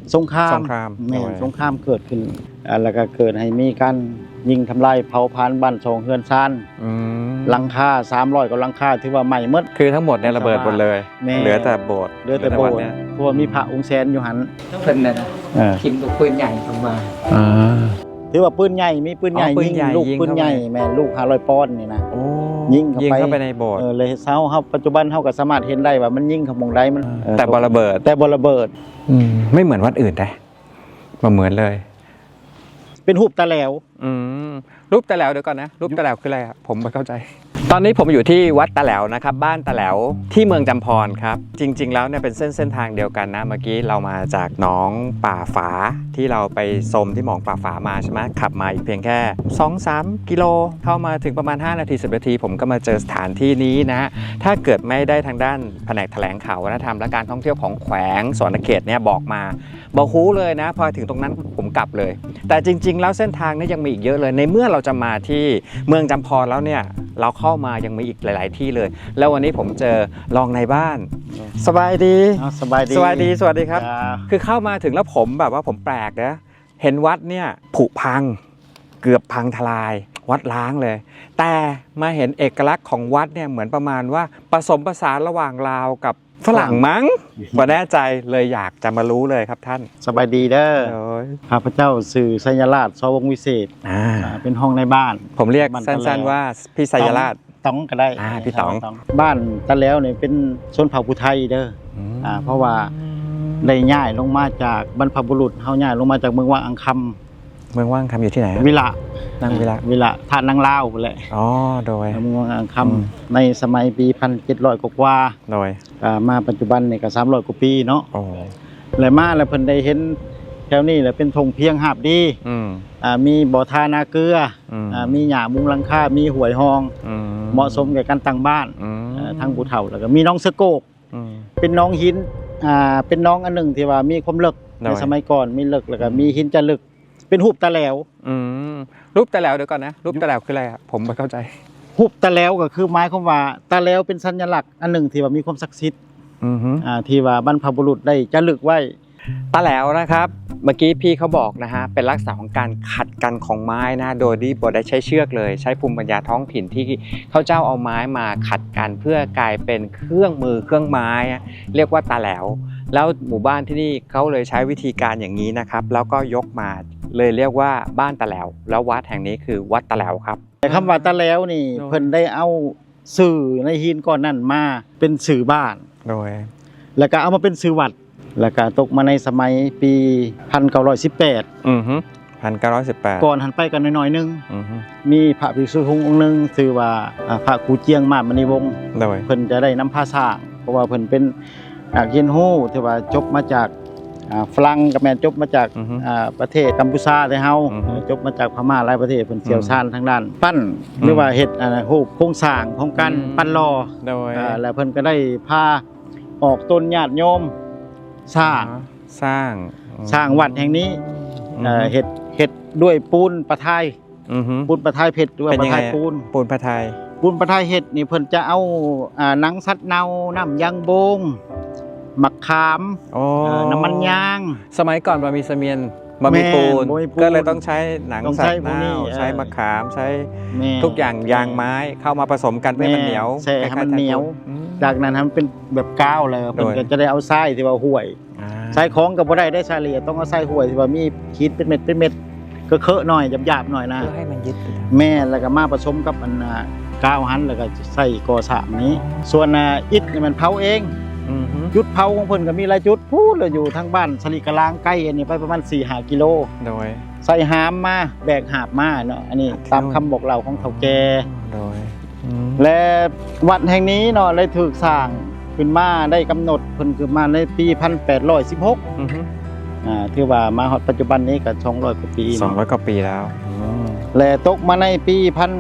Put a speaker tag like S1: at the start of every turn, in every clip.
S1: สงครามแม่นสงครามเกิดขึ้นแล้วก็เกิดให้มีการยิงทำลายเผาผลาญบ้านช่องเฮือนซานหลังคา300กว่าหลังคาถือว่าใหม่หมด
S2: คือทั้งหมดเนี่ยระเบิดหมดเลยเหลือแต่โบสถ์
S1: เพราะว่ามีพระองค์แสนอยู่หัน
S3: เพิ่นน่ะทิ่มลูกปืนใหญ่ลงมา
S1: ถือว่าปืนใหญ่มีปืนใหญ่ยิงลูกปืนใหญ่แม่ลูก500ปอนด์นี่นะยิงเข้าไป
S2: ในโบสถ์
S1: เลยเฮาปัจจุบันเฮาก็สามารถเห็นได้ว่ามันยิงเข้ามองใดมัน
S2: แต่บ่ระเบิดไม่เหมือนวัดอื่นนะบ่เหมือนเลย
S1: เป็นรูปตะแหลว
S2: รูปตะแหลวเดี๋ยวก่อนนะรูปตะแหลวคืออะไรครับผมไม่เข้าใจตอนนี้ผมอยู่ที่วัดตะแหลวนะครับบ้านตะแหลวที่เมืองจำพรครับจริงๆแล้วเนี่ยเป็นเส้นทางเดียวกันนะเมื่อกี้เรามาจากหนองป่าฝาที่เราไปชมที่หนองป่าฝามาใช่ไหมขับมาอีกเพียงแค่ 2-3 กิโลเข้ามาถึงประมาณ5 นาที10 นาทีผมก็มาเจอสถานที่นี้นะถ้าเกิดไม่ได้ทางด้านแผนกแถลงข่าววัฒนธรรมและการท่องเที่ยวของแขวงสวนเขตเนี่ยบอกฮู้เลยนะพอถึงตรงนั้นผมกลับเลยแต่จริงๆแล้วเส้นทางนี้ยังมีอีกเยอะเลยในเมื่อเราจะมาที่เมืองจำพรแล้วเนี่ยเราเข้ามายังมีอีกหลายๆที่เลยแล้ววันนี้ผมเจอรองในบ้านสบายดี
S1: สวัสดี
S2: ครับคือเข้ามาถึงแล้วผมแบบว่าผมแปลกนะเห็นวัดเนี่ยผุพังเกือบพังทลายวัดล้างเลยแต่มาเห็นเอกลักษณ์ของวัดเนี่ยเหมือนประมาณว่าผสมผสานระหว่างลาวกับฝรั่งมั้งบ่แน่ใจเลยอยากจะมารู้เลยครับท่าน
S1: สบายดีเด้อข้าพเจ้าสื่อสัญราชสวงวิเศษเป็นห้องในบ้าน
S2: ผมเรียกสั้นๆว่าพี่สัญราช
S1: ต้องก็ได้
S2: พี่ต๋อง
S1: บ้านตะแหลวเนี่ยเป็นชนเผ่าภูไทยเด้อเพราะว่าได้ย้ายลงมาจากบรรพบุรุษเฮาย้ายลงมาจากเมืองว่างอังคำ
S2: เมืองว่างคำอยู่ที่ไหน
S1: วิละท่านังลาวแหละ
S2: โดย
S1: เมืองว่างอังคำในสมัยปี1700กว่า
S2: โดย
S1: มาปัจจุบันเนี่ยก็300กว่าปีเนาะแล้วมาแล้วเพิ่นได้เห็นแถวนี้แหละเป็นธงเพียงหาบดีมีบ่อทานาเกลือมีหญ้ามุงหลังคามีหวยหองเหมาะสมแก่การตั้งบ้านทางผู้เฒ่าแล้วก็มีน้องสะโกกเป็นน้องหินเป็นน้องอันหนึ่งที่ว่ามีความลึกในสมัยก่อนมีลึกแล้วก็มีหินจะลึกเป็นรูปตะแหลว
S2: รูปตะแหลวเดี๋ยวก่อนนะรูปตะแหลวคืออะไรครับผมไม่เข้าใจ
S1: รูปตะแหลวก็คือหมายความว่าตะแหลวเป็นสัญลักษณ์อันหนึ่งที่ว่ามีความศักดิ์สิทธิ์ที่ว่าบรรพบุรุษได้จะลึกไว้
S2: ตะแหลวนะครับเมื่อกี้พี่เขาบอกนะฮะเป็นลักษณะของการขัดกันของไม้นะโดยที่บ่ได้ใช้เชือกเลยใช้ภูมิปัญญาท้องถิ่นที่เขาเจ้าเอาไม้มาขัดกันเพื่อกลายเป็นเครื่องมือเครื่องไม้เรียกว่าตะแหลวแล้วหมู่บ้านที่นี่เขาเลยใช้วิธีการอย่างนี้นะครับแล้วก็ยกมาเลยเรียกว่าบ้านตะแหลวแล้ววัดแห่งนี้คือวัดตะแหลวครับ
S1: แต่คำว่าตะแหลวนี่เพิ่นได้เอาสื่อในหินก้อนนั้นมาเป็นสื่อบ้าน
S2: โดย
S1: แล้วก็เอามาเป็นสื่อวัดแล้วก็ตกมาในสมัยปี1918ก่อนหันไปกันน้อยๆนึงมีพระภิกษุองค์นึงชื่อว่าพระครูเจียงมาศมณีวงศ์เพิ่นจะได้นำพาสร้างเพราะว่าเพิ่นเป็นเรียนรู้ที่ว่าจบมาจากฝรั่งกับแม่จบมาจากประเทศกัมพูชาแต่เฮาจบมาจากพม่าหลายประเทศเพิ่นเชี่ยวชาญทางด้านปั้นหรือว่าเฮ็ดรูปโครงสร้างของการปั้นหล่อแล้วเพิ่นก็ได้พาออกต้นญาติโยมสร้างวัดแห่งนี้เฮ็ดด้วยปูนปะไทยปูนปะไทยเพชรด้วยปะไทย
S2: ปูนปะไท
S1: ยเฮ็ดนี่เพิ่นจะเอาหนังสัตว์เน่าน้ำยางบงมะขามน้ำมันยาง
S2: สมัยก่อนบ่มีเสมียนบ่มีปูนก็เลยต้องใช้หนังสัตว์เน่าใช้มะขามใช้ทุกอย่างยางไม้เข้ามาผสมกันให้มันเหนียว
S1: ให้มันเหนียวจากนั้นมันเป็นแบบก้าวเลยเพิ่นก็จะได้เอาทรายที่ว่าห่วยทรายของก็บ่ได้ได้ทรายละเอียดต้องเอาทรายห่วยที่ว่ามีขีดเป็นเม็ดก็เคอะหน่อยหยาบๆหน่อยนะ
S2: เพื่อให้มันยึด
S1: แม่แล้วก็มาผสมกับอันก้าวหันแล้วก็ใส่ก่อสร้างนี้ส่วนอิฐนี่มันเผาเองจุดเผาของเพิ่นก็มีหลายจุดพูดเลยอยู่ทางบ้านสลีกะลางใกล้อันนี้ไปประมาณ 4-5 กิโล
S2: โดย
S1: ใส่หามมาแบกหาบมาเนาะอันนี้ตามคำบอกเล่าของเฒ่าแก่
S2: โดย
S1: และวัดแห่งนี้เนาะเลยถูกสร้างขึ้นมาได้กำหนดเพิ่นคือมาในปี1816ถือว่ามาฮอดปัจจุบันนี้ก็200 กว่าปี
S2: 200 กว่าปีแล้ว
S1: และตกมาในปี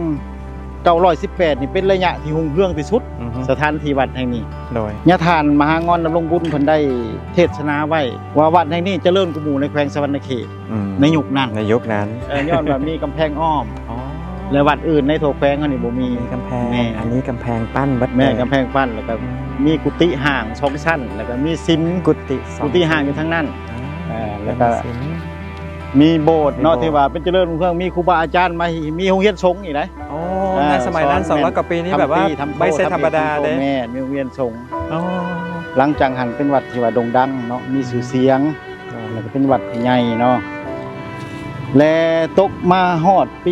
S1: 1918นี่เป็นระยะที่หุ่งเรื่องที่สุดสถานที่วัดแห่งนี้
S2: โดย
S1: ญาติทานมหางอนดำรงบุญเพิ่นได้เทศนาไว้ว่าวัดแห่งนี้เจริญกว่าหมู่ในแขวงสะวรรณเขตในยุคนั้นย้อนว่ามีกำแพงอ้อมและวัดอื่นในทั่วแขวงอันนี้บ่มี
S2: กำแพงอันนี้กำแพงปั้นวัด
S1: แม่กำแพงปั้นแล้วก็มีกุฏิห่าง2ชั้นแล้วก็มีซิมกุฏิห่างอยู่ทั้งนั้นแล้วก็มีโบสถ์เนาะที่ว่าเป็นเจริญรุ่งเรืองมีครูบาอาจารย์มามีโรงเรียนสงฆ์อีกนะ
S2: โอ้ในสมัยนั้น200 กว่าปีนี้แบบว่าไม่ใช่ธรรมดาเด้
S1: แม่มีโรงเรียนสงฆ์หลังจากหันเป็นวัดที่ว่าโด่งดังเนาะมีชื่อเสียงแล้วก็เป็นวัดใหญ่เนาะและตกมาฮอดปี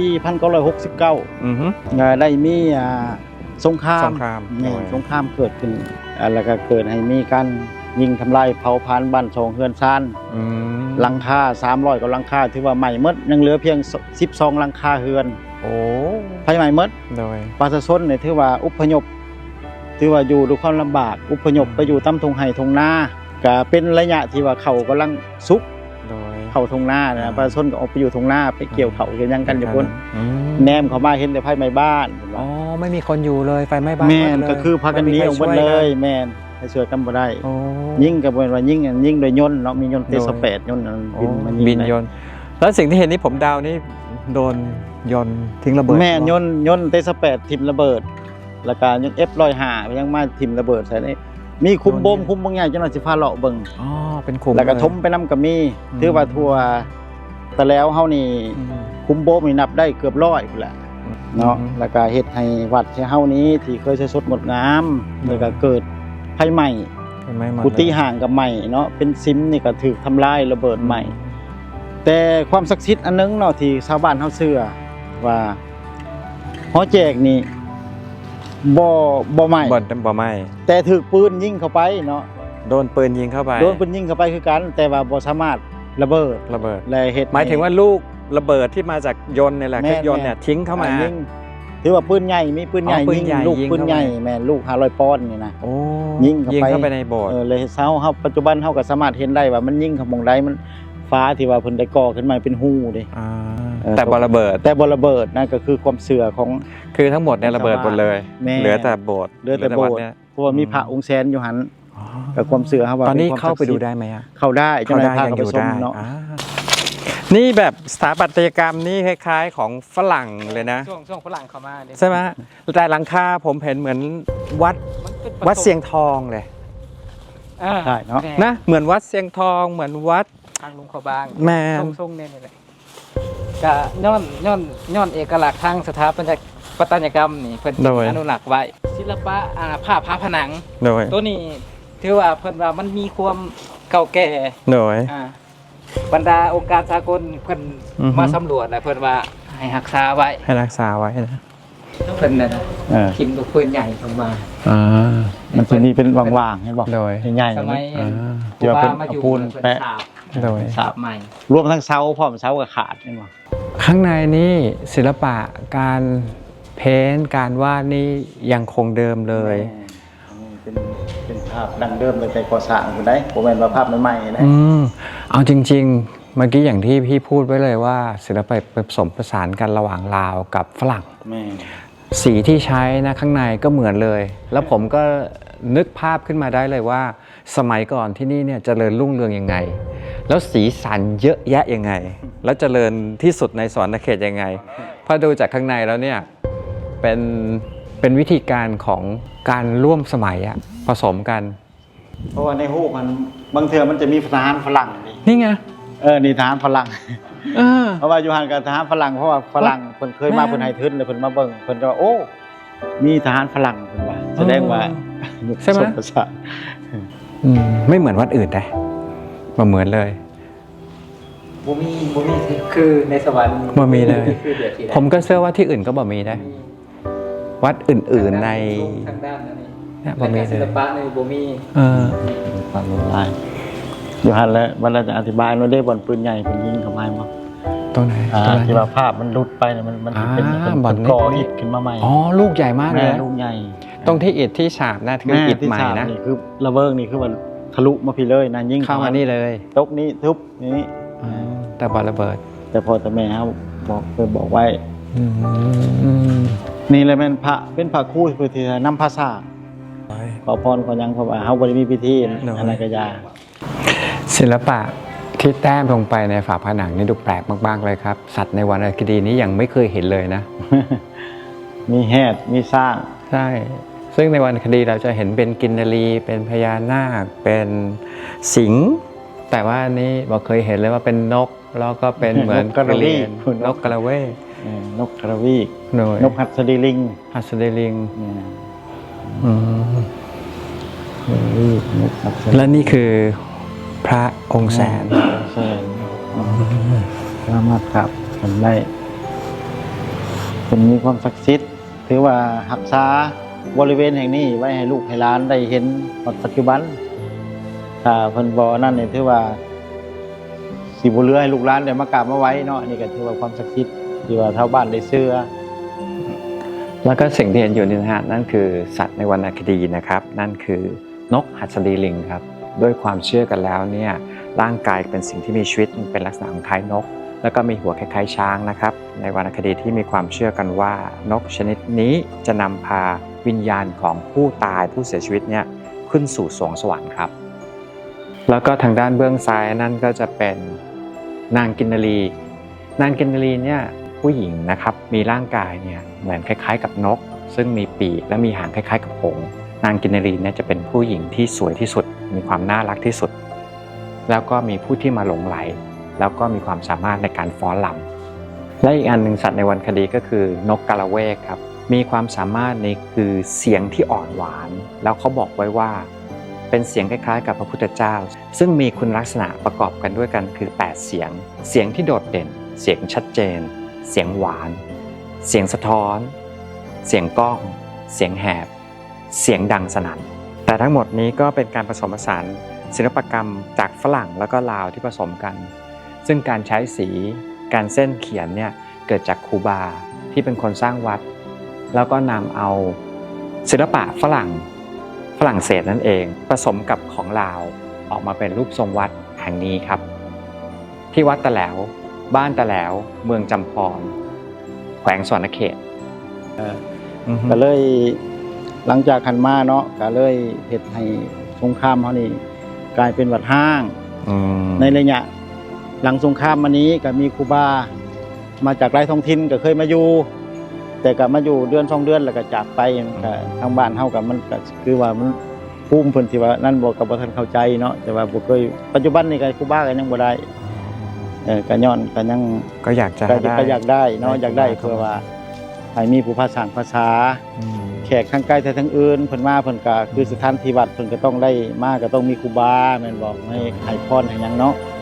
S1: 1969ได้มีสงครามสงครามเกิดขึ้นแล้วก็เกิดให้มีการยิงทำลายเผาผลาญบ้านช่องเฮือนซ่านหลังคา300กว่าหลังคาถือว่าใหม่หมดยังเหลือเพียง12หลังคาเฮือน
S2: โอ้
S1: ไฟใหม่หมดโดยประชาชนเนี่ยถือว่าอพยพถือว่าอยู่ด้วยความลำบากอพยพไปอยู่ตามทุ่งไร่ทุ่งนาก็เป็นระยะที่ว่าเขากำลังสุกโดยเข้าทุ่งนานะประชาชนก็ออกไปอยู่ทุ่งนาไปเกี่ยวเขาเกี่ยวยังกันอยู่พุ่นแนมเข้ามาเห็นแต่ไฟไหม้บ้าน
S2: อ๋อไม่มีคนอยู่เลยไฟไหม้บ้าน
S1: แม่นก็คือพากันหนีออกหมดเลยแม่นให้ช่วยกันบ่ได้ยิงก็บ่ว่ายิงโดยยนต์เนาะมียนต์T28ยนต์
S2: บินยนต์แล้วสิ่งที่เห็นนี่ผมเดานี่โดนยนต์ทิ้งระเบิด
S1: แม่ยนต์T28ทิ่มระเบิดแล้วก็ยัง F105ยังมาทิ่มระเบิดใส่นี่มีคุมบ่มคุมบางอย่างจังหน่อยสิพาเลาะเบิ่ง
S2: อ๋อเป็นคุม
S1: แล้วก็ทมไปนำก็มีถือว่าทั่วแต่แล้วเฮานี่คุมบ่มนี่นับได้เกือบ100พุ่นแหละเนาะแล้วก็เฮ็ดให้วัดเฮานี้ที่เคยสดงดงามแล้วก็เกิดไฟไหม้กุฏิห่างกับใหม่เนาะเป็นซิมนี่ก็ถูกทำลายระเบิดใหม่แต่ความศักดิ์สิทธิ์อันนึงเนาะที่ชาวบ้านเฮาเชื่อว่าหอแจกนี่บ่ไหม้
S2: บ่ไหม้
S1: แต่ถูกปืนยิงเข้าไปเนาะ
S2: โดนปืนยิงเข้าไป
S1: คือกันแต่ว่าบ่สามารถระเบิดและเฮ็ด
S2: หมายถึงว่าลูกระเบิดที่มาจากยนต์นี่แหละคือยนต์เนี่ยทิ้งเข้ามา
S1: ถือว่าปืนใหญ่มีปืนใหญ่ยิงลูกปืนใหญ่แม่ลูก500ปอนด์นี่นะยิง
S2: เข้าไปในโบสถ์
S1: เลยเฮาปัจจุบันเฮาก็สามารถเห็นได้ว่ามันยิงเข้าหม่องใดมันฟ้าที่ว่าเพิ่นได้ก่อขึ้นมาเป็นหูเด้
S2: แต่บ่ระเบิด
S1: นั่นก็คือความเชื่อของ
S2: คือทั้งหมดเนี่ยระเบิดหมดเลยเหลือแต่โบสถ์
S1: เนี่ยเพราะว่ามีพระองค์แสนอยู่หั่นกับความเชื่อเฮาว่า
S2: ตอนนี้เข้าไปดูได้มั้ย
S1: เข้าได้จังได๋พาเข้าไปชมเนาะ
S2: นี่แบบสถาปัตยกรรมนี่คล้ายๆของฝรั่งเลยนะ
S3: ช่วงฝรั่งเข้ามา
S2: ใช่ไหมแต่หลังคาผมเห็นเหมือนวัดเสียงทองเลย
S1: ใช่เนาะ
S2: นะเหมือนวัดเสียงทองเหมือนวัด
S3: ทางลุงเขาบาง
S2: แม่
S3: ทรงเนี่ยเลยก็ย้อนเอกลักษณ์ทางสถาปัตยกรรมนี่เพิ่นอนุรักษ์ไว้ศิลปะผ้าผนังตัวนี้ถือว่าเพิ่นว่ามันมีความเก่าแก่บรรดาองค์การสากลเพิ่นมาสำรวจแล้วเพิ่นว่าให้รักษาไว้
S2: นะ
S3: เพิ่นน่ะพิมพ์ลูกปืนใหญ่ลงมา
S1: มันจะมีเป็นว่างๆให้บอกใหญ่
S3: ๆสมัย
S1: เดี๋ยวเป็นปูนแปะ
S3: สาบใหม่
S1: รวมทั้งเสาพร้อมเสากับขาดใช่มั้ย
S2: ข้างในนี่ศิลปะการเพ้นท์การวาดนี่ยังคงเดิมเลย
S1: เป็นภาพดั้งเดิมตั้งแต่ก่อสร้างอยู่ได้บ่แม่นว่าภาพใหม่ๆนะ
S2: เอาจริงๆเมื่อกี้อย่างที่พี่พูดไว้เลยว่าศิลปะผสมผสานกันระหว่างลาวกับฝรั่งสีที่ใช้นะข้างในก็เหมือนเลยแล้วผมก็นึกภาพขึ้นมาได้เลยว่าสมัยก่อนที่นี่เนี่ยเจริญรุ่งเรืองยังไงแล้วสีสันเยอะแยะยังไงแล้วเจริญที่สุดในสวรรณเขตยังไงพอดูจากข้างในแล้วเนี่ยเป็นวิธีการของการร่วมสมัยอะผสมกัน
S1: เพราะว่าในฮูกมันบางเทื่อมันจะมีทหารฝรั่ง
S2: นี่ไง
S1: นี่ทหารฝรั่งเพราะว่าอยู่ห่างกับทหารฝรั่งเพราะว่าฝรั่งเพิ่นเคยมาเพิ่นให้ทึนเลยเพิ่นมาเบิ่งเพิ่นก็ว่าโอ้มีทหารฝรั่งเพิ่นว่าแสดงว่า
S2: ใช่มั้ยไม่เหมือนวัดอื่นนะบ่เหมือนเลย
S3: บ่มีคือในสวรรค์
S2: บ่มีเลยผมก็เชื่อว่าที่อื่นก็บ่มีได้วัดอื่นๆใน
S3: ทางด้านนี้
S2: บ่มี
S3: ศิลปะในบ่มี
S1: ความรุนแรงอยู่หั่นแล้วมันจะอธิบายว่าได้บ่อนปืนใหญ่เพิ่นยิงเข้ามาบ่
S2: ตรงไหน
S1: ที่ว่าภาพมันหลุดไปมันเป็นบ่อนก่ออิฐขึ้นมาใหม่
S2: ลูกใหญ่มากเลย
S1: ลูกใหญ่
S2: ตรงที่อิฐที่ฉาบนะคืออิฐใหม่นะ
S1: นี่คือระเบิดนี่คือมันทะลุมาพี่เลยนะยิง
S2: เข้ามานี่เลย
S1: ตกนี้ทุบนี้
S2: แต่บ่ระเบิด
S1: แต่พอแต่แม่เฮาบอกไว้นี่เลยเป็นพระคู่เพื่อที่จะนำภาษาขอพรขอยังเพราะว่าเฮาบ่ได้มีพิธีอะไรก็ยา
S2: ศิลปะที่แต้มลงไปในฝาผนังนี่ดูแปลกมากๆเลยครับสัตว์ในวรรณคดีนี้ยังไม่เคยเห็นเลยนะ
S1: มีแหดมีสร้าง
S2: ใช่ซึ่งในวรรณคดีเราจะเห็นเป็นกินนารีเป็นพญานาคเป็นสิงห์แต่ว่าอันนี้บอกเคยเห็นเลยว่าเป็นนกแล้วก็เป็นเหมือนกระเรียนนกกระเวก
S1: นกกระวีกนกหัสดีลิง
S2: และนี่คือพระองค์แสน
S1: สามารถครับทำได้เป็นมีความศักดิ์สิทธิ์ถือว่ารักษาบริเวณแห่งนี้ไว้ให้ลูกให้หลานได้เห็นปัจจุบันถ้าเพิ่นบ่นั่นนี่ถือว่าสิบ่เหลือให้ลูกหลานได้มากราบมาไว้เนาะนี่ก็ถือว่าความศักดิ์สิทธิ์ที่ว่าชาวบ้านได้เชื่อ
S2: แล้วก็สิ่งที่เห็นอยู่นี่นะฮะนั่นคือสัตว์ในวรรณคดีนะครับนั่นคือนกหัสดีลิงครับด้วยความเชื่อกันแล้วเนี่ยร่างกายเป็นสิ่งที่มีชีวิตเป็นลักษณะของคล้ายนกแล้วก็มีหัวคล้ายๆช้างนะครับในวรรณคดีที่มีความเชื่อกันว่านกชนิดนี้จะนำพาวิญญาณของผู้ตายผู้เสียชีวิตเนี่ยขึ้นสู่สวงสวรรค์ครับแล้วก็ทางด้านเบื้องซ้ายนั่นก็จะเป็นนางกินนรีเนี่ยผู้หญิงนะครับมีร่างกายเนี่ยเหมือนคล้ายๆกับนกซึ่งมีปีกและมีหางคล้ายๆกับหงส์นางกินนรีเนี่ยจะเป็นผู้หญิงที่สวยที่สุดมีความน่ารักที่สุดแล้วก็มีผู้ที่มาหลงไหลแล้วก็มีความสามารถในการฟ้อนรำและอีกอันหนึ่งสัตว์ในวรรณคดีก็คือนกกระเวกครับมีความสามารถในคือเสียงที่อ่อนหวานแล้วเขาบอกไว้ว่าเป็นเสียงคล้ายๆกับพระพุทธเจ้าซึ่งมีคุณลักษณะประกอบกันด้วยกันคือ8เสียงที่โดดเด่นเสียงชัดเจนเสียงหวานเสียงสะท้อนเสียงก้องเสียงแหบเสียงดังสนั่นแต่ทั้งหมดนี้ก็เป็นการผสมผสานศิลปกรรมจากฝรั่งแล้วก็ลาวที่ผสมกันซึ่งการใช้สีการเส้นเขียนเนี่ยเกิดจากครูบาที่เป็นคนสร้างวัดแล้วก็นำเอาศิลปะฝรั่งเศสนั่นเองผสมกับของลาวออกมาเป็นรูปทรงวัดแห่งนี้ครับที่วัดตะแหลวบ้านตะแหลวเมืองจำพรแขวงสวรรณเขต
S1: ก็เลยหลังจากขันมาเนาะก็เลยเฮ็ดให้สงครามเขานี่กลายเป็นวัดห้างในระยะหลังสงครามมานี้ก็มีครูบามาจากหลายท้องถิ่นก็เคยมาอยู่แต่ก็มาอยู่เดือน2 เดือนแล้วก็จากไปก็ทางบ้านเฮาก็มันก็คือว่ามันภูมิเพิ่นที่ว่านั่นบ่ก็บ่ทันเข้าใจเนาะแต่ว่าบ่เคยปัจจุบันนี่ก็ครูบาก็ยังบ่ได้ก็ย้อนก็ยัง
S2: ก็อยาก
S1: ได้เนาะอยากได้เพื่อว่าให้มีผู้ภาษาภาษาแขกทางไกลแต่ทางอื่นเพิ่นมาเพิ่นก็คือสถานที่วัดเพิ่นก็ต้องได้มาก็ต้องมีครูบาแม่นบ่ให้พรให้หยังเนาะ